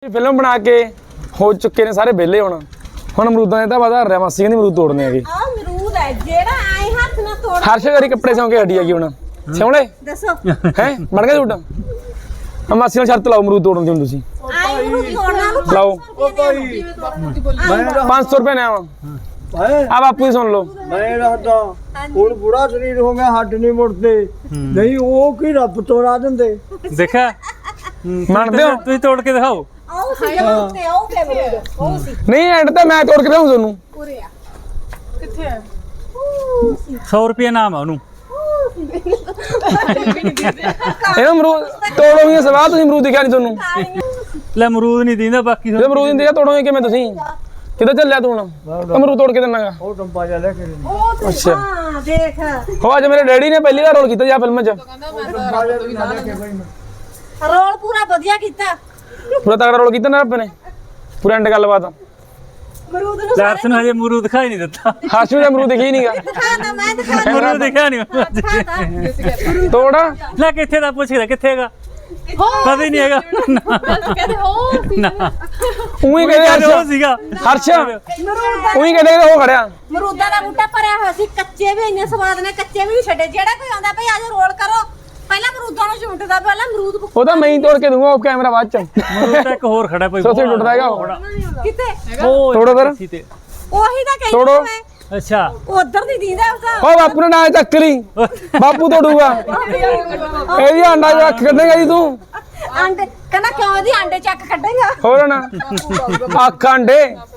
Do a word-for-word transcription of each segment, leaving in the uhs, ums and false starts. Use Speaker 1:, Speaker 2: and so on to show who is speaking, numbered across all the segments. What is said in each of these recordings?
Speaker 1: Film ਬਣਾ ਕੇ ਹੋ ਚੁੱਕੇ ਨੇ ਸਾਰੇ ਵਿਹਲੇ ਹੁਣ ਹੁਣ ਅਮਰੂਦਾਂ ਦੇ ਤਾਂ ਵਧਾ ਰਿਹਾ ਮਾਸੀ ਕਹਿੰਦੀ ਅਮਰੂਦ ਤੋੜਨੇ ਹੈਗੇ
Speaker 2: ਆ ਅਮਰੂਦ ਹੈ ਜਿਹੜਾ ਆਏ ਹੱਥ ਨਾਲ ਤੋੜ
Speaker 1: ਹਰਸ਼ ਵਾਰੀ ਕੱਪੜੇ ਸਿਉਂ ਕੇ ਹੱਡੀ ਹੈਗੀ ਹੁਣ ਸਿਉਣੇ
Speaker 2: ਦੱਸੋ
Speaker 1: ਹੈ ਬਣ ਗਿਆ ਤੁਹਾਡਾ ਆ ਮਾਸੀ ਨਾਲ ਸ਼ਰਤ ਲਾਓ ਅਮਰੂਦ ਤੋੜਨ ਦੀ ਹੁਣ ਤੁਸੀਂ
Speaker 2: ਆਏ ਅਮਰੂਦ ਤੋੜਨਾ ਨੂੰ
Speaker 1: ਲਾਓ
Speaker 3: ਉਹ ਭਾਈ ਮੈਂ
Speaker 1: ਪੰਜ ਸੌ ਰੁਪਏ ਨੇ ਆਵਾ
Speaker 3: ਹੈ
Speaker 1: ਆ ਬਾਪੂ ਹੀ ਸੁਣ ਲਓ
Speaker 3: ਮੈਂ ਰਹਦਾ ਹੁਣ ਬੁੜਾ ਸਰੀਰ ਹੋ ਗਿਆ ਹੱਡ ਨਹੀਂ ਮੁੜਦੇ ਨਹੀਂ ਉਹ ਕੀ ਰੱਬ ਤੋੜਾ ਦਿੰਦੇ
Speaker 4: ਦੇਖਿਆ
Speaker 1: ਮੰਨਦੇ ਹੋ
Speaker 4: ਤੁਸੀਂ ਤੋੜ ਕੇ ਦਿਖਾਓ
Speaker 2: ਆਉ ਸੀ ਅਮਰੂਦ ਤੇ ਆਉ ਤੇ ਅਮਰੂਦ ਉਹ ਸੀ
Speaker 1: ਨਹੀਂ ਐਂਡ ਤਾਂ ਮੈਂ ਤੋੜ ਕੇ ਦਊਂ ਤੁਹਾਨੂੰ
Speaker 2: ਪੂਰੇ ਆ ਕਿੱਥੇ ਆ
Speaker 4: ਸੌ ਰੁਪਏ ਨਾਮ ਆ ਉਹਨੂੰ
Speaker 1: ਇਹ ਅਮਰੂਦ ਤੋੜੋਗੇ ਸਵਾਲ ਤੁਸੀਂ ਅਮਰੂਦ ਦਿਖਿਆ ਨਹੀਂ ਤੁਹਾਨੂੰ
Speaker 4: ਲੈ ਅਮਰੂਦ ਨਹੀਂ ਦਿੰਦਾ ਬਾਕੀ
Speaker 1: ਜੇ ਅਮਰੂਦ ਦਿੰਦੇ ਤੋੜੋਗੇ ਕਿਵੇਂ ਤੁਸੀਂ ਕਿੱਧਰ ਚੱਲਿਆ ਤੂੰ ਹੁਣ ਅਮਰੂਦ ਤੋੜ ਕੇ ਦਿੰਨਾਗਾ
Speaker 3: ਉਹ ਟੰਪਾ ਜਾ ਲੈ ਕੇ
Speaker 2: ਉਹ ਤੇ
Speaker 1: ਅੱਛਾ।
Speaker 2: ਹਾਂ ਦੇਖ
Speaker 1: ਹੋ ਅੱਜ ਮੇਰੇ ਡੈਡੀ ਨੇ ਪਹਿਲੀ ਵਾਰ ਰੋਲ ਕੀਤਾ ਜੀ ਫਿਲਮ 'ਚ
Speaker 3: ਟੰਪਾ ਜਾ ਵੀ ਲੈ ਕੇ ਭਾਈ
Speaker 2: ਰੋਲ ਪੂਰਾ ਵਧੀਆ ਕੀਤਾ
Speaker 1: ਪੂਰਾ ਤਗੜਾ ਰੋਲ ਕੀਤਾ ਨਾ ਰੱਬ ਨੇ ਪੂਰਾ ਐਂਡ ਗੱਲਬਾਤ
Speaker 2: ਅਮਰੂਦ ਨੂੰ
Speaker 4: ਲਾਰਸ ਨੂੰ ਹਜੇ ਅਮਰੂਦ ਦਿਖਾਈ ਨਹੀਂ ਦਿੱਤਾ
Speaker 1: ਹਰਸ਼ ਨੂੰ ਅਮਰੂਦ ਦਿਖੀ ਨਹੀਂਗਾ
Speaker 2: ਦਿਖਾਣਾ ਮੈਂ ਦਿਖਾਣਾ
Speaker 4: ਅਮਰੂਦ ਦਿਖਿਆ ਨਹੀਂ
Speaker 1: ਤੋੜ
Speaker 4: ਲੈ ਕਿੱਥੇ ਦਾ ਪੁੱਛਦਾ ਕਿੱਥੇ ਹੈਗਾ ਪਤਾ ਹੀ ਨਹੀਂ ਹੈਗਾ
Speaker 5: ਕਹਿੰਦੇ ਹੋ
Speaker 4: ਨਾ
Speaker 1: ਉਹੀ ਕਹਿੰਦੇ
Speaker 4: ਉਹ
Speaker 1: ਹਰਸ਼
Speaker 4: ਸੀਗਾ
Speaker 1: ਹਰਸ਼
Speaker 2: ਅਮਰੂਦ ਦਾ
Speaker 1: ਉਹੀ ਕਹਿੰਦੇ ਉਹ ਖੜਿਆ
Speaker 2: ਅਮਰੂਦਾਂ ਦਾ ਬੂਟਾ ਭਰਿਆ ਹੋਇਆ ਸੀ ਕੱਚੇ ਵੀ ਇੰਨੇ ਸਵਾਦ ਨੇ ਕੱਚੇ ਵੀ ਨਹੀਂ ਛੱਡੇ ਜਿਹੜਾ ਕੋਈ ਆਉਂਦਾ ਭਈ ਆਜੋ ਰੋਲ ਕਰੋ ਪਹਿਲਾਂ ਅਮਰੂਦਾਂ ਨੂੰ ਝੁੰਟਦਾ ਪਹਿਲਾਂ ਅਮਰੂਦ ਭੁੱਕ-
Speaker 1: ਉਹ ਤਾਂ ਮੈਂ ਹੀ ਤੋੜ ਕੇ ਦੂੰਗਾ ਉਹ ਕੈਮਰਾ ਬਾਅਦ ਚ
Speaker 4: ਅਮਰੂਦ ਤਾਂ ਇੱਕ ਹੋਰ ਖੜਾ ਕੋਈ
Speaker 1: ਸੋਸੇ ਟੁੱਟਦਾ ਹੈਗਾ ਉਹ
Speaker 2: ਕਿਤੇ
Speaker 4: ਉਹ
Speaker 1: ਤੋੜੋ ਫਿਰ।
Speaker 4: ਇੱਥੇ ਤੇ।
Speaker 2: ਉਹੀ ਤਾਂ ਕਹਿੰਦਾ
Speaker 1: ਤੋੜੋ।
Speaker 2: ਮੈਂ
Speaker 4: ਅੱਛਾ
Speaker 2: ਉਧਰ ਦੀ ਦੀਦਾ ਉਹਦਾ
Speaker 1: ਉਹ ਬਾਪੂ ਨੇ ਨਾ ਚੱਕ ਲਈ ਬਾਪੂ ਤੋੜੂਗਾ ਇਹਦੀ ਆਂਡਾ ਜੋ ਅੱਖ ਕੱਢੇਗਾ ਜੀ ਤੂੰ
Speaker 2: ਆਂਡੇ ਕਹਿੰਦਾ ਕਿਉਂ ਇਹਦੀ ਆਂਡੇ ਚੱਕ ਕੱਢੇਗਾ
Speaker 1: ਹੋਰ ਨਾ ਅੱਖ ਆਂਡੇ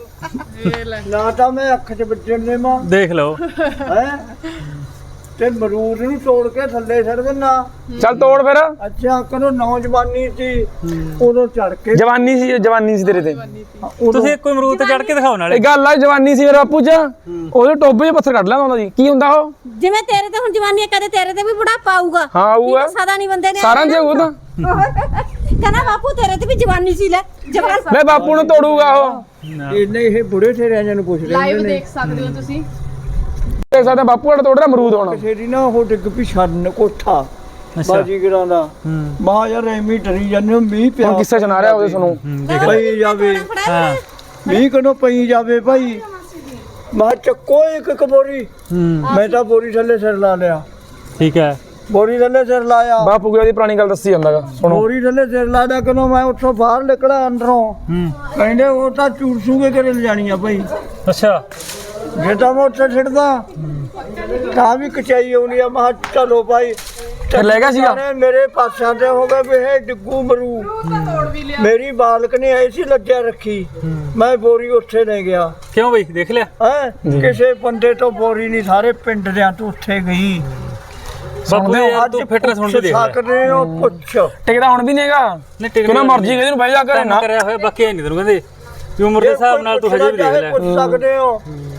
Speaker 3: ਨਾ ਤਾਂ ਮੈਂ ਅੱਖ 'ਚ ਵੱਜਣ ਦੇ ਮਾਂ
Speaker 4: ਦੇਖ ਲਓ
Speaker 3: ਹੈ ਤੇ ਮਰੂਦ ਨੂੰ ਤੋੜ ਕੇ ਥੱਲੇ ਛੱਡ ਦਿੰਨਾ
Speaker 1: ਚੱਲ ਤੋੜ ਫਿਰ
Speaker 3: ਅੱਛਾ ਕਦੋਂ ਨੌਜਵਾਨੀ ਸੀ ਉਦੋਂ ਚੜ ਕੇ
Speaker 1: ਜਵਾਨੀ ਸੀ ਜਵਾਨੀ ਸੀ ਤੇਰੇ ਤੇ
Speaker 3: ਉਦੋਂ
Speaker 4: ਤੁਸੀਂ ਕੋਈ ਅਮਰੂਦ ਤੇ ਚੜ ਕੇ ਦਿਖਾਓ ਨਾਲੇ
Speaker 1: ਇਹ ਗੱਲ ਆ ਜਵਾਨੀ ਸੀ ਮੇਰੇ ਬਾਪੂ ਚ ਉਹਦੇ ਟੋਬੇ 'ਚ ਪੱਥਰ ਕੱਢ ਲੈਂਦਾ ਹੁੰਦਾ ਜੀ ਕੀ ਹੁੰਦਾ ਉਹ
Speaker 2: ਜਿਵੇਂ ਤੇਰੇ ਤੇ ਹੁਣ ਜਵਾਨੀ ਹੈ, ਕਦੇ ਤੇਰੇ ਤੇ ਵੀ ਬੁਢਾਪਾ ਆਊਗਾ
Speaker 1: ਹਾਂ ਆਊਗਾ
Speaker 2: ਸਦਾ ਨਹੀਂ ਬੰਦੇ ਨੇ
Speaker 1: ਸਾਰਿਆਂ ਦੇ ਉਹ ਤਾਂ
Speaker 2: ਕਹਿੰਦਾ ਬਾਪੂ ਤੇਰੇ ਤੇ ਵੀ ਜਵਾਨੀ ਸੀ ਲੈ ਜਵਾਨ
Speaker 1: ਲੈ ਬਾਪੂ ਨੂੰ ਤੋੜੂਗਾ ਉਹ
Speaker 3: ਇਹਨੇ ਇਹ ਬੁੜੇ ਠੇਰਿਆਂ ਨੂੰ ਪੁੱਛਦੇ
Speaker 5: ਲਾਈਵ
Speaker 3: ਹੁੰਦੇ ਨੇ
Speaker 5: ਦੇਖ ਸਕਦੇ ਹੋ ਤੁਸੀਂ
Speaker 1: ਦੇਖ ਸਕਦੇ ਬਾਪੂ ਹੜ ਤੋੜ ਰਿਹਾ ਅਮਰੂਦ ਹੁਣ
Speaker 3: ਕਿਸੇ ਦੀ ਨਾ ਉਹ ਡਿੱਗ ਪਈ ਛੰਨ ਕੋਠਾ
Speaker 4: ਅੱਛਾ
Speaker 3: ਬਾਜੀਗਰਾਂ ਦਾ
Speaker 4: ਹੂੰ
Speaker 3: ਮਾਂ ਯਾਰ ਐਵੇਂ ਡਰੀ ਜਾਂਦੇ ਹੋ, ਮੀਂਹ ਪਿਆ
Speaker 1: ਹੁਣ ਕਿੱਸੇ ਸੁਣਾ ਰਿਹਾ ਉਹਦੇ ਸੁਣੋ
Speaker 4: ਹੂੰ, ਦੇਖ ਲਓ
Speaker 3: ਪਈ ਜਾਵੇ
Speaker 4: ਹਾਂ
Speaker 3: ਮੀਂਹ ਕਦੋਂ ਪਈ ਜਾਵੇ ਭਾਈ ਮਾਂ ਚੱਕੋ ਇੱਕ ਇੱਕ ਬੋਰੀ
Speaker 4: ਹੂੰ
Speaker 3: ਮੈਂ ਤਾਂ ਬੋਰੀ ਥੱਲੇ ਸਿਰ ਲਾ ਲਿਆ
Speaker 4: ਠੀਕ ਹੈ
Speaker 3: ਬੋਰੀ ਥੱਲੇ ਸਿਰ ਲਾਇਆ
Speaker 1: ਬਾਪੂ ਕੀ ਉਹਦੀ ਪੁਰਾਣੀ ਗੱਲ ਦੱਸੀ ਜਾਂਦਾਗਾ ਸੁਣੋ
Speaker 3: ਬੋਰੀ ਥੱਲੇ ਸਿਰ ਲਾਇਆ ਕਦੋਂ ਮੈਂ ਉੱਥੋਂ ਬਾਹਰ ਨਿਕਲਾ ਅੰਦਰੋਂ
Speaker 4: ਹੂੰ
Speaker 3: ਕਹਿੰਦੇ ਉਹ ਤਾਂ ਚੂਰਸੂਗੇ ਕਰੇ ਲਿਜਾਣੀ ਆ ਭਾਈ
Speaker 4: ਅੱਛਾ
Speaker 3: ਜੇ ਤਾਂ ਮੈਂ ਉੱਥੇ ਛੱਡਦਾ ਤਾਂ ਵੀ ਕਚਾਈ ਆਉਣੀ ਆ ਮੈਂ ਕਿਹਾ ਚਲੋ ਭਾਈ
Speaker 1: ਫਿਰ ਲੈ ਗਿਆ ਸੀਗਾ
Speaker 3: ਸਾਰੇ ਮੇਰੇ ਪਾਸਿਆਂ ਤੇ ਹੋ ਗਏ ਵੀ ਇਹ ਡਿੱਗੂ ਮਰੂ ਮੇਰੀ ਬਾਲਕ ਨੇ ਐਸੀ ਲੱਜਿਆ ਰੱਖੀ ਮੈਂ ਬੋਰੀ ਉੱਥੇ ਲੈ ਗਿਆ
Speaker 4: ਕਿਉਂ ਬਈ ਦੇਖ ਲਿਆ
Speaker 3: ਹੈ ਕਿਸੇ ਬੰਦੇ ਤੋਂ ਬੋਰੀ ਨਹੀਂ ਸਾਰੇ ਪਿੰਡ ਦਿਆਂ ਤੋਂ ਉੱਥੇ ਗਈ
Speaker 4: ਬਾਪੂ ਯਾਰ ਤੂੰ ਫਿਟਨੈਸ ਹੁਣ ਵੀ ਦੇਖ ਲੈ
Speaker 3: ਸਕਦੇ ਹੋ ਪੁੱਛ
Speaker 1: ਟਿਕਦਾ ਹੁਣ ਵੀ ਨਹੀਂਗਾ
Speaker 4: ਨਹੀਂ ਟਿਕ
Speaker 1: ਕਿਉਂ ਨਾ ਮਰਜੀ ਕਹਿੰਦੇ ਨੂੰ ਬਹਿ ਜਾ ਕਰੇ ਨਾ
Speaker 4: ਕਰਿਆ ਹੋਇਆ ਬਾਕੀ ਨਹੀਂ ਤੈਨੂੰ ਕਹਿੰਦੇ ਵੀ ਉਮਰ ਦੇ ਹਿਸਾਬ ਨਾਲ ਤੂੰ ਹਜੇ ਵੀ ਦੇਖ ਲੈ
Speaker 3: ਪੁੱਛ ਸਕਦੇ ਹੋ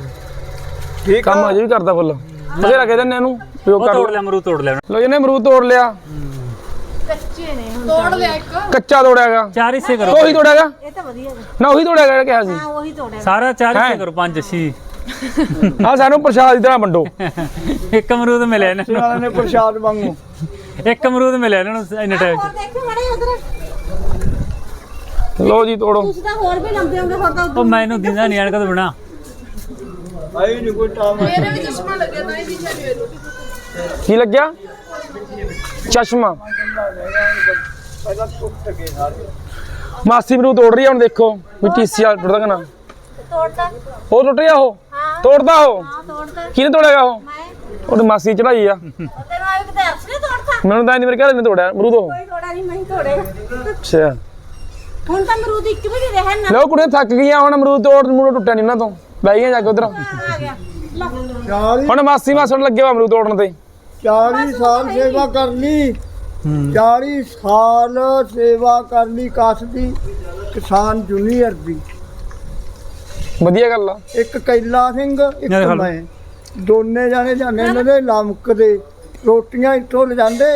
Speaker 3: ਠੀਕ
Speaker 1: ਕੰਮ
Speaker 3: ਆ
Speaker 1: ਅਜੇ ਵੀ ਕਰਦਾ ਫੁੱਲ ਤੁਸੀਂ ਰੱਖ ਦਿੰਨੇ ਇਹਨੂੰ ਪਿਓ
Speaker 4: ਉਹ
Speaker 1: ਕਰ
Speaker 4: ਤੋੜ ਲਿਆ ਅਮਰੂਦ ਤੋੜ ਲਿਆ
Speaker 1: ਲੋ ਇਹਨੇ ਅਮਰੂਦ ਤੋੜ ਲਿਆ
Speaker 5: ਤੋੜ ਲਿਆ ਇੱਕ
Speaker 1: ਕੱਚਾ ਤੋੜਿਆਗਾ
Speaker 4: ਚਾਰ ਹਿੱਸੇ ਕਰੋ
Speaker 1: ਉਹੀ ਤੋੜਿਆਗਾ
Speaker 2: ਇਹ ਤਾਂ ਵਧੀਆ ਗਾ।
Speaker 1: ਨਾ ਉਹੀ ਤੋੜਿਆਗਾ ਜਿਹੜਾ ਕਿਹਾ ਸੀ
Speaker 2: ਹਾਂ ਉਹੀ ਤੋੜਿਆ
Speaker 4: ਸਾਰਾ ਚਾਰ ਹਿੱਸੇ
Speaker 1: ਹੈਂ?
Speaker 4: ਕਰੋ ਪੰਜ ਛੇ
Speaker 1: ਆ ਸਾਨੂੰ ਪ੍ਰਸ਼ਾਦ ਦੀ ਤਰ੍ਹਾਂ ਵੰਡੋ
Speaker 4: ਇੱਕ ਅਮਰੂਦ ਮਿਲਿਆ ਇਹਨਾਂ
Speaker 3: ਵਾਲਿਆਂ ਨੇ ਪ੍ਰਸ਼ਾਦ ਵਾਂਗੂ
Speaker 4: ਨੂੰ ਇੱਕ ਅਮਰੂਦ ਮਿਲਿਆ ਇਹਨਾਂ ਨੂੰ ਇੰਨੇ ਟਾਈਮ
Speaker 2: ਹੋਰ
Speaker 4: ਚ
Speaker 2: ਦੇਖੋ ਮੜੇ ਉਧਰ
Speaker 1: ਲੋ ਜੀ ਤੋੜੋ
Speaker 2: ਤੁਸੀਂ ਤਾਂ ਹੋਰ ਵੀ ਲੰਬੇ ਹੋਗੇ ਹੋਰ ਤਾਂ
Speaker 4: ਉਹ ਮੈਨੂੰ ਦਿੰਦਾ ਨਹੀਂ ਐਨਕ ਤੋਂ ਬਿਨਾ
Speaker 3: ਆਈ ਨਹੀਂ ਕੋਈ ਟਾਮ
Speaker 5: ਮੇਰੇ ਵੀ ਚਸ਼ਮਾ ਲੱਗਿਆ ਤਾਂ ਇਹ ਦਿਸ਼ਾ ਨਹੀਂ ਹੋਈ
Speaker 1: ਕੀ ਲੱਗਿਆ ਚਸ਼ਮਾ
Speaker 3: ਪਹਿਲਾਂ ਟੁੱਟ ਗਏ ਸਾਰੇ
Speaker 1: ਮਾਸੀ ਅਮਰੂਦ ਤੋੜ ਰਹੀ ਆ ਹੁਣ ਦੇਖੋ ਵੀ ਟੀਸੀ ਆ ਟੁੱਟਦਾ ਕਿ ਨਾ
Speaker 2: ਤੋੜਦਾ
Speaker 1: ਉਹ ਟੁੱਟ ਗਿਆ ਉਹ
Speaker 2: ਹਾਂ
Speaker 1: ਤੋੜਦਾ ਉਹ
Speaker 2: ਹਾਂ ਤੋੜਦਾ
Speaker 1: ਕਿਹਨੇ ਤੋੜਿਆਗਾ ਉਹ
Speaker 2: ਮੈਂ
Speaker 1: ਉਹਦੀ ਮਾਸੀ ਚੜਾਈ ਆ
Speaker 2: ਤੈਨੂੰ ਆਏ ਕਿਤੇ ਅਰਸ਼ ਨੇ ਤੋੜਦਾ
Speaker 1: ਮੈਨੂੰ ਤਾਂ ਨਹੀਂ ਮੇਰੇ ਘਰ ਨੇ ਤੋੜਿਆ ਅਮਰੂਦ ਉਹ
Speaker 2: ਕੋਈ ਤੋੜਾ ਨਹੀਂ ਮੈਂ ਹੀ ਤੋੜੇਗਾ
Speaker 1: ਅੱਛਾ
Speaker 2: ਹੁਣ ਤਾਂ ਅਮਰੂਦ ਇੱਕ ਵੀ ਨਹੀਂ ਰਹਿਣ ਨਾ
Speaker 1: ਲੋ ਕੁੜੀਆਂ ਥੱਕ ਗਈਆਂ ਹੁਣ ਅਮਰੂਦ ਤੋੜ ਮੂੜ ਟੁੱਟਿਆ ਨਹੀਂ ਉਹਨਾਂ ਤੋਂ ਬਹਿ ਗਈਆਂ ਜਾ ਕੇ ਉਧਰ
Speaker 2: ਆ ਗਿਆ ਲੈ
Speaker 3: ਚਾਲੀ
Speaker 1: ਹੁਣ ਮਾਸੀ ਮਾਸੜ ਲੱਗੇ ਵਾ ਅਮਰੂਦ ਤੋੜਨ ਤੇ
Speaker 3: ਚਾਲੀ ਸਾਲ ਸੇਵਾ ਕਰ ਲਈ ਚਾਲੀ ਸਾਲ ਸੇਵਾ ਕਰ ਲਈ ਕਾਸ ਦੀ ਕਿਸਾਨ ਜੂਨੀਅਰ ਦੀ
Speaker 1: ਵਧੀਆ ਗੱਲ ਆ
Speaker 3: ਇੱਕ ਕੈਲਾ ਸਿੰਘ ਇੱਕ
Speaker 4: ਮੇਰੇ ਖਿਆਲ-
Speaker 3: ਮੈਂ ਦੋਨੇ ਜਾਣੇ ਜਾਂਦੇ ਇਹਨਾਂ ਦੇ ਲਮਕਦੇ ਰੋਟੀਆਂ ਇੱਥੋਂ ਲਿਜਾਂਦੇ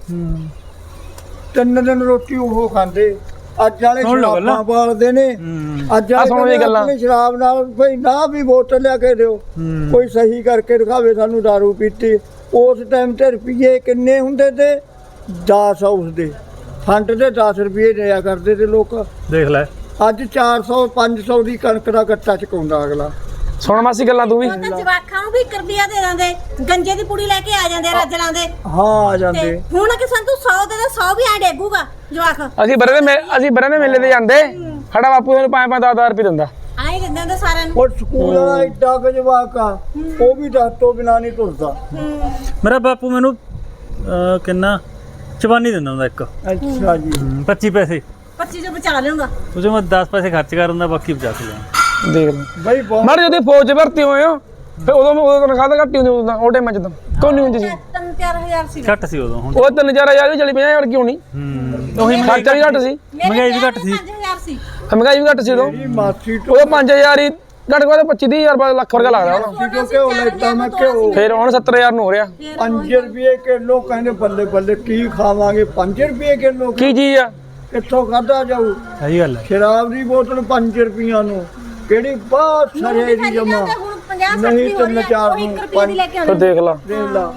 Speaker 3: ਤਿੰਨ ਦਿਨ ਰੋਟੀ ਉਹ ਖਾਂਦੇ ਅੱਜ ਵਾਲੇ
Speaker 4: ਸੁਣ ਲਓ ਗੱਲਾਂ।
Speaker 3: ਸ਼ਰਾਬਾਂ ਬਾਲਦੇ ਨੇ
Speaker 4: ਹੂੰ
Speaker 3: ਅੱਜ
Speaker 1: ਆਹ ਸੁਣੋ
Speaker 3: ਵਾਲੇ
Speaker 1: ਇਹ ਗੱਲਾਂ।
Speaker 3: ਆਪਣੀ ਸ਼ਰਾਬ ਨਾਲ ਭਈ ਨਾ ਵੀ ਬੋਤਲ ਲਿਆ ਕੇ ਦਿਓ
Speaker 4: ਹੂੰ।
Speaker 3: ਕੋਈ ਸਹੀ ਕਰਕੇ ਦਿਖਾਵੇ ਸਾਨੂੰ ਦਾਰੂ ਪੀਤੀ ਉਸ ਟਾਈਮ ਤੇ ਰੁਪਈਏ ਕਿੰਨੇ ਹੁੰਦੇ ਤੇ ਦਸ ਉਸ ਦੇ ਫੰਡ ਦੇ ਦਸ ਰੁਪਏ ਦਿਆ ਕਰਦੇ ਤੇ ਲੋਕ
Speaker 4: ਦੇਖ ਲੈ
Speaker 3: ਅੱਜ ਚਾਰ ਸੌ ਪੰਜ ਸੌ ਦੀ ਕਣਕ ਦਾ ਗੱਟਾ ਚੁਕਾਉਂਦਾ ਅਗਲਾ।
Speaker 1: ਸੁਣ ਮਾਸੀ ਗੱਲਾਂ ਤੂੰ ਵੀ।
Speaker 2: ਉਹ ਤਾਂ ਜਵਾਕਾਂ ਨੂੰ ਵੀ ਇੱਕ ਰੁਪਿਆ ਦੇ ਦਿੰਦੇ, ਗੰਜੇ ਦੀ ਪੁੜੀ ਲੈ ਕੇ ਆ ਜਾਂਦੇ ਰੱਜਲਾਂ ਦੇ।
Speaker 3: ਹਾਂ ਆ
Speaker 2: ਤੇ
Speaker 3: ਜਾਂਦੇ।
Speaker 2: ਹੁਣ ਕਿ ਤੂੰ ਸੌ ਦੇ ਦੇ ਸੌ ਵੀ ਐ ਡੇਗੂਗਾ ਜਵਾਕ।
Speaker 1: ਅਸੀਂ ਬਰੇ ਦੇ ਅਸੀਂ ਬਰੇ ਦੇ ਮੇਲੇ ਤੇ ਜਾਂਦੇ, ਸਾਡਾ ਬਾਪੂ ਸਾਨੂੰ ਪੰਜ ਪੰਜ ਦਸ ਦਸ ਰੁਪਏ ਦਿੰਦਾ।
Speaker 2: ਆਏ ਦਿੰਦੇ ਹੁੰਦੇ ਸਾਰਿਆਂ ਨੂੰ।
Speaker 3: ਉਹ ਸਕੂਲ ਵਾਲਾ ਏਡਾ ਕੁ ਜਵਾਕ ਆ, ਉਹ ਵੀ ਦਸ ਤੋਂ ਬਿਨਾਂ ਨਹੀਂ ਤੁਰਦਾ।
Speaker 4: ਮੇਰਾ ਬਾਪੂ ਮੈਨੂੰ ਅਹ, ਕਿੰਨਾ ਚਵਾਨੀ ਦਿੰਦਾ ਹੁੰਦਾ ਇੱਕ
Speaker 3: ਅੱਛਾ ਜੀ।
Speaker 4: ਪੱਚੀ ਪੈਸੇ
Speaker 2: ਪੱਚੀ ਜੋ ਬਚਾ ਲਿਆਉਂਗਾ।
Speaker 4: ਉਹਦੇ ਮੈਂ ਦਸ ਪੈਸੇ ਖਰਚ ਕਰ ਦਿੰਦਾ, ਬਾਕੀ ਬਚਾ ਕੇ ਜਾਣਾ।
Speaker 1: ਦੇਖ ਲੈ
Speaker 3: ਬਈ ਬਹੁਤ
Speaker 1: ਮਾਰੇ ਜਦੋਂ ਫੌਜ 'ਚ ਭਰਤੀ ਹੋਏ ਹੋ ਫਿਰ ਉਦੋਂ ਉਦੋਂ ਤਨਖਾਹ ਤਾਂ ਘੱਟ ਹੀ ਹੁੰਦੀ ਉਦੋਂ ਤਾਂ, ਉਹ ਟਾਈਮ 'ਚ ਤਾਂ ਕੋਈ ਨਹੀਂ ਹੁੰਦੀ ਸੀ।
Speaker 2: ਤਿੰਨ ਚਾਰ ਹਜ਼ਾਰ ਸੀ।
Speaker 4: ਘੱਟ ਸੀ ਉਦੋਂ, ਹੁਣ
Speaker 1: ਉਹ ਤਿੰਨ ਚਾਰ ਹਜ਼ਾਰ ਵੀ ਚਲੀ ਪੰਜਾਹ ਹਜ਼ਾਰ ਕਿਉਂ ਨਹੀਂ,
Speaker 4: ਹੂੰ ਉਹੀ
Speaker 1: ਖਰਚਾ ਵੀ ਘੱਟ ਸੀ,
Speaker 4: ਮਹਿੰਗਾਈ ਵੀ ਘੱਟ ਸੀ।
Speaker 2: ਪੰਜ ਹਜ਼ਾਰ ਸੀ।
Speaker 1: ਮਹਿੰਗਾਈ ਵੀ ਘੱਟ ਸੀ ਉਦੋਂ।
Speaker 3: ਮੇਰੀ ਮਾਸੀ ਤੋਂ
Speaker 1: ਉਹ ਪੰਜ ਹਜ਼ਾਰ ਹੀ ਘੱਟ ਘੱਟ ਪੱਚੀ ਤੀਹ ਹਜ਼ਾਰ ਬਾਅਦ ਲੱਖ ਵਰਗਾ ਲੱਗਦਾ ਹੁਣ।
Speaker 3: ਕਿਉਂ ਘਿਓ ਲੈਤਾ ਮੈਂ ਘਿਓ
Speaker 1: ਫਿਰ ਹੁਣ ਸੱਤਰ ਹਜ਼ਾਰ ਨੂੰ ਹੋ ਰਿਹਾ।
Speaker 3: ਪੰਜ ਰੁਪਏ ਕਿਲੋ ਕਹਿੰਦੇ ਬੱਲੇ ਬੱਲੇ ਕੀ ਖਾਵਾਂਗੇ ਪੰਜ ਰੁਪਏ ਕਿਲੋ
Speaker 1: ਕੀ ਚੀਜ਼ ਆ?
Speaker 3: ਕਿੱਥੋਂ ਖਾਧਾ ਜਾਊ?
Speaker 4: ਸਹੀ ਗੱਲ ਹੈ।
Speaker 3: ਸ਼ਰਾਬ ਦੀ ਬੋਤਲ ਪੰਜ ਰੁਪਈਆਂ ਨੂੰ ਕਿਹੜੀ ਬਹੁਤ ਸਰੇ ਦੀ ਜਮਾ
Speaker 2: ਹੁਣ ਪੰਜਾਹ
Speaker 3: ਨਹੀਂ
Speaker 2: ਸੱਠ
Speaker 3: ਤਿੰਨ ਚਾਰ
Speaker 2: ਉਹ ਇੱਕ ਰੁਪਏ ਦੀ ਲੈ ਕੇ
Speaker 1: ਫਿਰ
Speaker 2: ਆਉਂਦੇ।
Speaker 1: ਦੇਖ ਲਾ
Speaker 3: ਦੇਖ ਲਾ।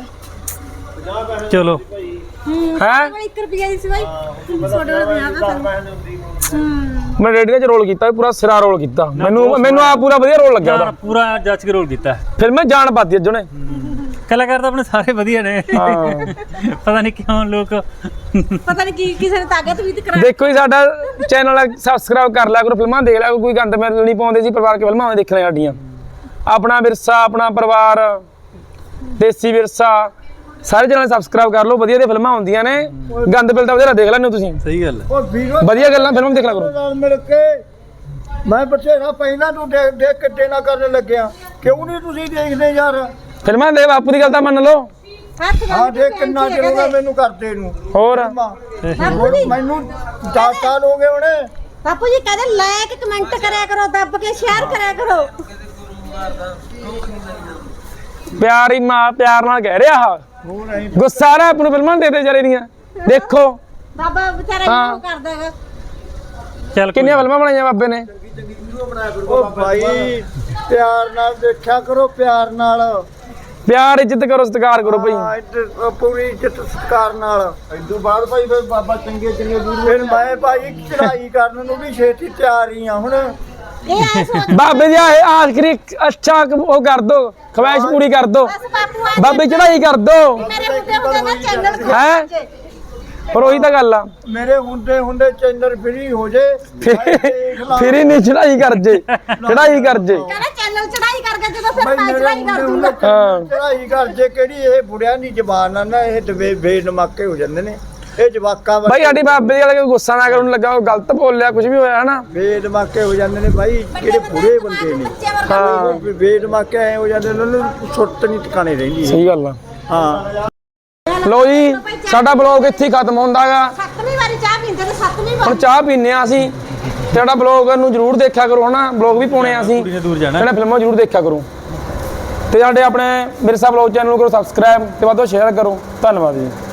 Speaker 4: ਚਲੋ
Speaker 1: ਹੈ।
Speaker 2: ਇੱਕ ਰੁਪਏ ਦੀ ਸੀ ਬਾਈ। ਛੋਟੇ ਵਾਲੇ ਪੰਜਾਹ ਦਾ ਸਾਨੂੰ। ਹੂੰ।
Speaker 1: ਮੈਂ ਰੇਡੀਓ 'ਚ ਰੋਲ ਕੀਤਾ ਪੂਰਾ ਸਿਰਾ ਰੋਲ ਕੀਤਾ, ਮੈਨੂੰ ਮੈਨੂੰ ਆ ਪੂਰਾ ਵਧੀਆ ਰੋਲ ਲੱਗਿਆ ਉਹਦਾ।
Speaker 4: ਪੂਰਾ ਜੱਜ ਕੇ ਰੋਲ ਕੀਤਾ।
Speaker 1: ਫਿਰ ਮੈਂ ਜਾਣ ਪਾਤੀ ਅੱਜ ਉਹਨੇ।
Speaker 4: ਕਲਾਕਾਰ ਤਾਂ ਆਪਣੇ ਸਾਰੇ ਵਧੀਆ ਨੇ,
Speaker 1: ਹਾਂ
Speaker 4: ਪਤਾ ਨਹੀਂ ਕਿਉਂ ਲੋਕ
Speaker 2: ਪਤਾ ਨਹੀਂ ਕੀ ਕਿਸੇ ਨੇ ਤਾਕਤ ਵੀ ਤੇ ਕਰਾ।
Speaker 1: ਦੇਖੋ ਜੀ ਸਾਡਾ ਚੈਨਲ ਸਬਸਕ੍ਰਾਈਬ ਕਰ ਲਿਆ ਕਰੋ, ਫਿਲਮਾਂ ਦੇਖ ਲਿਆ ਕਰੋ, ਕੋਈ ਗੰਦ ਮੈਲ ਨਹੀਂ ਪਾਉਂਦੇ ਸੀ, ਪਰਿਵਾਰ ਕੇ ਫਿਲਮਾਂ ਦੇਖਣੇ ਸਾਡੀਆਂ। ਆਪਣਾ ਵਿਰਸਾ, ਆਪਣਾ ਪਰਿਵਾਰ, ਦੇਸੀ ਵਿਰਸਾ, ਸਾਰੇ ਚੈਨਲ ਸਬਸਕ੍ਰਾਈਬ ਕਰ ਲਓ, ਵਧੀਆ ਦੀਆਂ ਫਿਲਮਾਂ ਹੁੰਦੀਆਂ ਨੇ। ਗੰਦ ਬਿਲ ਤਾਂ ਵਧੀਆ ਦੇਖ ਲੈਂਦੇ ਹੋ ਤੁਸੀਂ,
Speaker 4: ਸਹੀ ਗੱਲ ਹੈ।
Speaker 3: ਉਹ ਵੀਰੋ
Speaker 1: ਵਧੀਆ ਗੱਲਾਂ ਫਿਲਮ ਦੇਖ ਲਿਆ ਕਰੋ।
Speaker 3: ਨਾਲ ਮਿਲ ਕੇ ਮੈਂ ਬਥੇਰਾ ਪਹਿਲਾਂ ਤੋਂ ਦੇਖ ਦੇਖ ਕੇ ਦੇਣਾ ਕਰਨ ਲੱਗਿਆ, ਕਿਉਂ ਨਹੀਂ ਤੁਸੀਂ ਦੇਖਦੇ ਯਾਰ?
Speaker 1: ਫਿਲਮਾਂ ਦੇ ਬਾਪੂ ਦੀ ਗੱਲ ਤਾਂ ਮੰਨ ਲਓ।
Speaker 2: ਹੱਥ
Speaker 3: ਹਾਂ ਦੇਖ ਕਿੰਨਾ ਚਿਰ ਹੋ ਗਿਆ ਮੈਨੂੰ ਕਰਦੇ ਨੂੰ।
Speaker 1: ਹੋਰ
Speaker 2: ਬਾਪੂ ਜੀ
Speaker 3: ਮੈਨੂੰ ਦਸ ਸਾਲ ਹੋ ਗਏ ਹੁਣੇ।
Speaker 2: ਬਾਪੂ ਜੀ ਕਹਿੰਦੇ ਲਾਇਕ ਕਮੈਂਟ ਕਰਿਆ ਕਰੋ, ਦੱਬ ਕੇ ਸ਼ੇਅਰ ਕਰਿਆ ਕਰੋ।
Speaker 1: ਪਿਆਰ ਹੀ ਮਾਂ ਪਿਆਰ ਨਾਲ ਕਹਿ ਰਿਹਾ ਆ,
Speaker 3: ਹੋਰ ਅਸੀਂ
Speaker 1: ਗੁੱਸਾ ਆ ਰਿਹਾ ਆਪ ਨੂੰ ਫਿਲਮਾਂ ਦੇ ਦੇ ਜਰੇ ਦੀਆਂ ਦੇਖੋ।
Speaker 2: ਬਾਬਾ ਵਿਚਾਰਾ
Speaker 1: ਹਾਂ।
Speaker 2: ਇਹਨੂੰ ਕਰਦਾ ਹੈਗਾ।
Speaker 4: ਚੱਲ
Speaker 1: ਕਿੰਨੀਆਂ ਫਿਲਮਾਂ ਬਣਾਈਆਂ ਬਾਬੇ ਨੇ।
Speaker 3: ਉਹ ਭਾਈ ਪਿਆਰ ਨਾਲ ਦੇਖਿਆ ਕਰੋ, ਪਿਆਰ ਨਾਲ।
Speaker 1: ਪਿਆਰ ਇੱਜ਼ਤ ਕਰੋ, ਸਤਿਕਾਰ ਕਰੋ ਭਾਈ।
Speaker 3: ਹਾਂ, ਇੱਜ਼ਤ ਪੂਰੀ ਇੱਜ਼ਤ ਸਤਿਕਾਰ ਨਾਲ। ਇਦੋਂ ਬਾਅਦ ਭਾਈ ਫਿਰ ਬਾਬਾ ਚੰਗੇ ਚੰਗੇ ਦੂਰ ਫਿਰ ਮੈਂ ਭਾਈ ਚੜਾਈ ਕਰਨ ਨੂੰ ਵੀ ਛੇਤੀ ਤਿਆਰ ਹੀ ਆ ਹੁਣ।
Speaker 2: ਇਹ ਐ ਸੋਚ
Speaker 1: ਬਾਬੇ ਦੀ ਆਹ ਆਖਰੀ ਅੱਛਾ ਉਹ ਕਰ ਦੋ, ਖਵਾਇਸ਼ ਪੂਰੀ ਕਰ ਦੋ,
Speaker 2: ਬਸ ਬਾਪੂ ਆ
Speaker 1: ਬਾਬੇ ਚੜਾਈ ਕਰ ਦੋ।
Speaker 2: ਮੇਰੇ ਹੁੰਦੇ ਹੁੰਦੇ ਨਾ ਚੈਨਲ
Speaker 1: ਹੈਂ? ਪਰ ਉਹੀ ਤਾਂ ਗੱਲ ਆ,
Speaker 3: ਮੇਰੇ ਹੁੰਦੇ ਹੁੰਦੇ ਚੈਨਲ ਫ੍ਰੀ ਹੋ ਜੇ।
Speaker 1: ਫਿਰ ਹੀ ਨਹੀਂ ਚੜਾਈ ਕਰ ਜੇ, ਚੜਾਈ ਕਰ ਜੇ।
Speaker 2: ਕਹਿੰਦਾ ਚੈਨਲ ਚੜਾਈ ਕਰਕੇ ਜਦੋਂ ਫਿਰ
Speaker 3: ਭਾਈ
Speaker 2: ਮੈਂ
Speaker 3: ਮੇਰੇ
Speaker 2: ਚੜਾਈ ਕਰ
Speaker 3: ਹੁੰਦੇ
Speaker 2: ਦੂੰਗਾ।
Speaker 3: ਹੁੰਦੇ
Speaker 1: ਹਾਂ।
Speaker 3: ਚੜਾਈ ਕਰ ਜੇ ਕਿਹੜੀ ਇਹ ਬੁੜਿਆਂ ਦੀ ਜ਼ਬਾਨ ਆ ਨਾ, ਇਹ ਦਵੇ ਬੇਨਮਾਕੇ ਹੋ ਜਾਂਦੇ ਨੇ ਇਹ ਜਵਾਕਾਂ
Speaker 1: ਭਾਈ ਸਾਡੀ ਬਾਬੇ ਦੀ ਗੱਲ ਕੋਈ ਗੁੱਸਾ ਨਾ ਕਰਨ ਲੱਗਾ, ਉਹ ਗਲਤ ਬੋਲਿਆ ਕੁਝ ਵੀ ਹੋਇਆ ਹਨਾ।
Speaker 3: ਬੇਨਮਾਕੇ ਹੋ ਜਾਂਦੇ ਨੇ ਭਾਈ, ਜਿਹੜੇ ਬੁੜੇ ਬੰਦੇ ਨੇ।
Speaker 2: ਬੱਚੇ ਵਰਗਾ
Speaker 1: ਹਾਂ
Speaker 3: ਬੇਨਮਾਕੇ ਐ ਹੋ ਜਾਂਦੇ ਨੇ, ਉਹਨਾਂ ਨੂੰ ਸੁੱਤ ਨਹੀਂ ਟਿਕਾਣੇ ਰਹਿੰਦੀ।
Speaker 1: ਸਹੀ ਗੱਲ ਆ।
Speaker 3: ਹਾਂ
Speaker 1: ਲੋ ਜੀ ਸਾਡਾ ਬਲੌਗ ਇੱਥੇ ਹੀ ਖਤਮ ਹੁੰਦਾ ਹੈਗਾ।
Speaker 2: ਸੱਤਵੀਂ ਵਾਰੀ ਚਾਹ ਪੀਂਦੇ ਨੇ, ਸੱਤਵੀਂ ਵਾਰੀ।
Speaker 1: ਹੁਣ ਚਾਹ ਪੀਨੇ ਆ ਅਸੀਂ, ਤੇ ਸਾਡਾ ਬਲੌਗ ਨੂੰ ਜਰੂਰ ਦੇਖਿਆ ਕਰੋ ਹਨਾ, ਬਲੌਗ ਵੀ ਪਾਉਣੇ ਆ ਅਸੀਂ,
Speaker 4: ਕੁੜੀ ਨੇ ਦੂਰ ਜਾਣਾ।
Speaker 1: ਜਿਹੜਾ ਫਿਲਮਾਂ ਜਰੂਰ ਦੇਖਿਆ ਕਰੋ, ਤੇ ਸਾਡੇ ਆਪਣੇ ਵਿਰਸਾ ਬਲੌਗ ਚੈਨਲ ਨੂੰ ਕਰੋ ਸਬਸਕ੍ਰਾਈਬ, ਤੇ ਵੱਧ ਤੋਂ ਸ਼ੇਅਰ ਕਰੋ। ਧੰਨਵਾਦ ਜੀ।